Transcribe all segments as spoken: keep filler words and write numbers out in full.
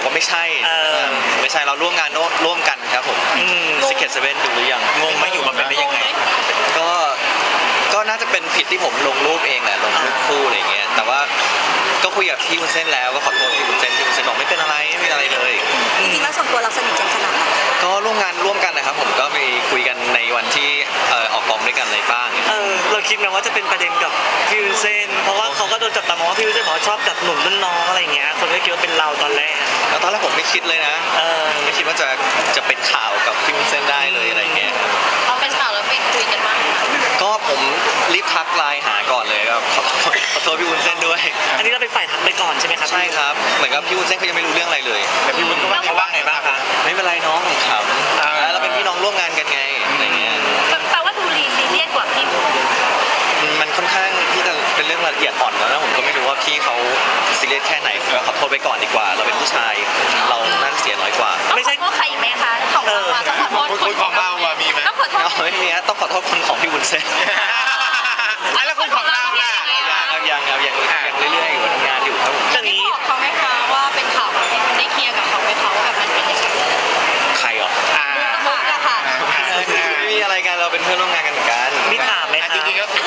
ว่าไม่ใช่ไม่ใช่เราร่วมงานร่วมกันครับผมซิกเก็ตเซเว่นดูหรือยังงงไหมอยู่มาเป็นได้ยังไงก็ก็น่าจะเป็นผิดที่ผมลงรูปเองแหละลงรูปคู่อะไรเงี้ยแต่ว่าก็คุยกับพี่วุ้นเส้นแล้วก็ขอโทษพี่วุ้นเส้นพี่วุ้นเส้นบอกไม่เป็นอะไรไม่เป็นอะไรเลยจริงๆแล้วส่วนตัวเราสนิทกันขนาดไหนก็ร่วมงานร่วมกันนะครับผมก็ไปคุยกันในวันที่ออกกองด้วยกันอะไรบ้างเออเราคิดนะว่าจะเป็นประเด็นกับพี่วุ้นเส้นเพราะว่าเขาก็โดนจับตามองว่าพี่วุ้นเส้นบอกชอบจับหนุ่มรุ่นน้องอะไรเงี้ยคนก็คิดว่าเป็นเราตอนแรกแล้วตอนแรกผมไม่คิดเลยนะเออไม่คิดว่าจะจะเป็นข่าวกับพี่วุ้นเส้นได้เลยอะไรเงี้ยพอเป็นข่าวแล้วไปคุยกันบ้างก็ผมรีบทักไลน์หาก่อนเลยครับขอโทษขอโทษพี่วุ้นเส้นด้วยอันนี้เราเป็นฝ่ายทักไปก่อนใช่ไหมครับใช่ครับเหมือนกับพี่วุ้นเส้นเขายังไม่รู้เรื่องอะไรเลยแต่พี่วุ้นก็ว่าเขาว่าไงบ้างคะไม่เป็นไรน้องผมขำแล้วเราเป็นพี่น้องร่วมงานกันไงอะไรเงี้ยแปลว่าดูรีซีเรียสกว่าพี่มันค่อนข้างที่จะเป็นเรื่องละเอียดอ่อนแล้วผมก็ไม่รู้ว่าพี่เขาซีเรียสแค่ไหนก็ขอโทษไปก่อนดีกว่าเราเป็นผู้ชายเราน่าเสียน้อยกว่าไม่ใช่ก็ใครไหมคะของเราต้องขอโทษคนของเราอะมีไหมต้องขอโทษไม่มีฮะต้องขอโทษคนของพี่วุ้นเส้นแล้วคนของเราล่ะยังครับยังยังยังเรื่อยๆอยู่ทำงานอยู่ครับผมจะนี้บอกเขาไหมคะว่าเป็นข่าวที่มันได้เคลียร์กับเขาไหมเขาแบบมันเป็นยังไงใครหรอมุกอะค่ะไม่มีอะไรกันเราเป็นเพื่อนร่วมงานกันเหมือนกันมีถามไหมจริงๆก็คือ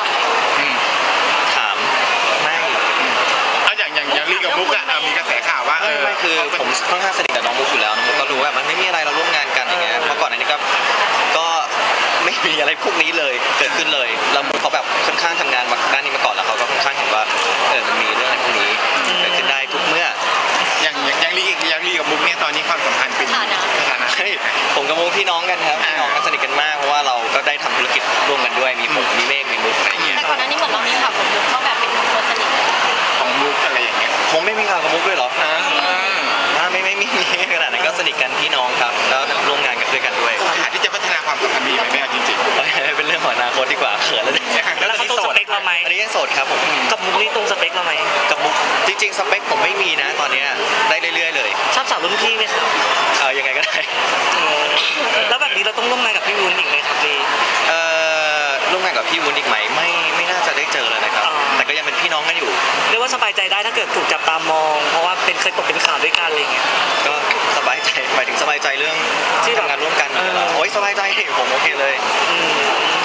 ถามไม่เอาอย่างอย่างอย่างลีกับมุกอะมีกระแสข่าวว่าเออไม่คือผมค่อนข้างสนิทกับน้องมุกอยู่แล้วน้องมุกก็รู้ว่ามันไม่มีอะไรเราร่วมงานกันอย่างเงี้ยเมื่อก่อนอันนี้ก็ก็ไม่มีอะไรพวกนี้เลยเกิดขึ้นเลยแล้วมุกเขาแบบค่อนข้างทำงานมาด้านนี้มาก่อนแล้วเขาก็ค่อนข้างเห็นว่าเออมันมีเรื่องอะไรพวกนี้เกิดขึ้นได้ทุกเมื่ออย่างอย่างลีอย่างลีกับมุกเนี่ยตอนนี้ความสัมพันธ์เป็นสถานะผมกับมุกพี่น้องกันครับพี่น้องกันสนิทกันมากเพราะว่าเราก็ได้ทำธุรกิจร่วมกันด้วยมีผมมีเมฆมีมุกอะไรอย่างเงี้ยแต่ก่อนหน้านี้เหมือนเรามีข่าวกับมุกเขาแบบเป็นคนสนิทของมุกอะไรอย่างเงี้ยผมไม่มีข่าวกับมุกด้วยหรอไม่ไม่ไม่มีขนาดนั้นก็สนิทกันพี่น้องครับแล้วร่วมงานกันด้วยกันด้วยโอกาสที่จะพัฒนาความสัมพันธ์ดีไหมแม่จริงๆเป็นเรื่องของอนาคตดีกว่าเขินแล้วเนี่ยแล้วเขาตรงสเปคเราไหมอันนี้ยังโสดครับผมกับมุกนี่ตรงสเปคเราไหมกับมุกจริงๆสเปคผมไม่มีนะตอนนี้ได้เรื่อยๆเลยชอบสาวรุ่นพี่ไหมครับเออยังไงก็ได้แล้วแบบนี้เราต้องร่วมงานกับพี่วุ้นอีกไหมครับพี่เอ่อร่วมงานกับพี่วุ้นอีกไหมไม่ไม่น่าจะได้เจอเลยนะครับแต่ก็ยังเป็นพี่น้องกันอยู่เรียกว่าสบายใจได้ถ้าเกิดถูกจับตามองเพราะว่าเป็นเคยตกเป็นข่าวด้วยกันอะไรเงี้ยก็สบายใจหมายถึงสบายใจเรื่องที่ทำงานร่วมกันโอ้ยสบายใจผมโอเคเลย